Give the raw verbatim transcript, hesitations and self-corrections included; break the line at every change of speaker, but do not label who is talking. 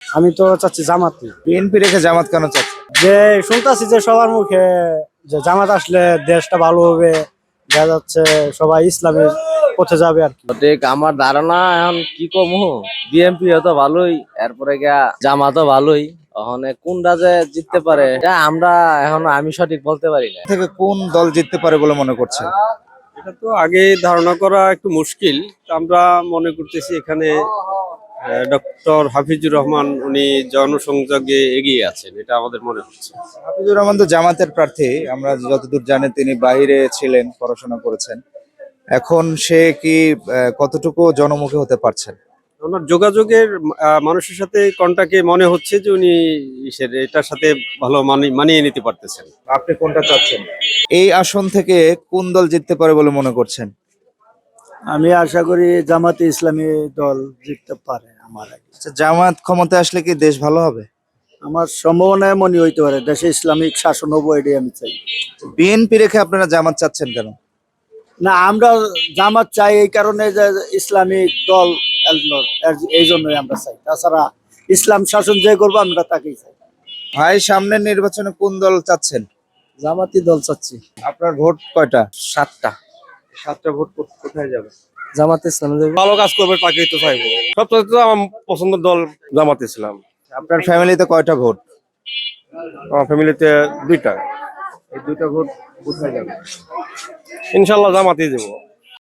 আমি তো চাচ্ছি জামাতি।
বিএনপি রেখে জামাত কেন চাচ্ছেন?
যে শুনতাছি যে সবার মুখে যে জামাত আসলে দেশটা ভালো হবে, দেখা যাচ্ছে সবাই ইসলামের পথে যাবে আর কি।
ঠিক আমার ধারণা এখন কি কমু, বিএনপি তো ভালোই, এরপরে গিয়া জামাতও ভালোই। ওখানে কোনটা যে জিততে পারে এটা আমরা এখন আমি সঠিক বলতে পারি না।
থেকে কোন দল জিততে পারে বলে মনে করছেন?
এটা তো আগে ধারণা করা একটু মুশকিল। তো আমরা মনে করতেছি এখানে ডক্টর হাফিজুর রহমান উনি জনসংযোগে এগিয়ে আছেন, এটা আমাদের মনে হচ্ছে।
হাফিজুর রহমান তো জামাতের প্রার্থী, আমরা যতদূর জানি তিনি বাইরে ছিলেন, পড়াশোনা করেছেন। এখন সে কি আহ, কতটুকু জনমুখী হতে পারছেন?
ওনার যোগাযোগের আহ, মানুষের সাথে কন্টাক্টে মনে হচ্ছে যে উনি ইসের এটার সাথে ভালো মানি- মানিয়ে নিতে পারতেছেন।
আপনি কোনটা চাচ্ছেন? এই আসন থেকে কোন দল জিততে পারে বলে মনে করছেন?
আমি আশা করি জামাতে ইসলামী দল জিততে পারে। আমার আগে
আচ্ছা, জামাত ক্ষমতায় আসলে কি দেশ ভালো হবে?
আমার সম্ভাবনায় মনে হইতে পারে দেশে ইসলামিক শাসন হবো, এটাই আমি চাই।
বিএনপি রেখে আপনারা জামাত চাচ্ছেন কেন?
না, আমরা জামাত চাই এই কারণে যে ইসলামিক দল এলো, এর- এই জন্যই আমরা চাই। তাছাড়া ইসলাম শাসন যে করবো আমরা তাকেই চাই।
ভাই, সামনের নির্বাচনে কোন দল চাচ্ছেন?
জামাতি দল চাচ্ছি।
আপনার ভোট কয়টা?
সাতটা।
সাতটা ভোট কো- কোথায় যাবে?
জামাতে ইসলামী দল।
ভালো কাজ করবে তাকেই তো চাইবো। সবচেয়ে তো আমার পছন্দের দল জামাত ইসলাম।
আপনার ফ্যামিলিতে কয়টা ভোট?
আমার ফ্যামিলিতে দুইটা।
এই দুইটা ভোট কোথায় যাবে?
ইনশাল্লাহ জামাতই দেবো।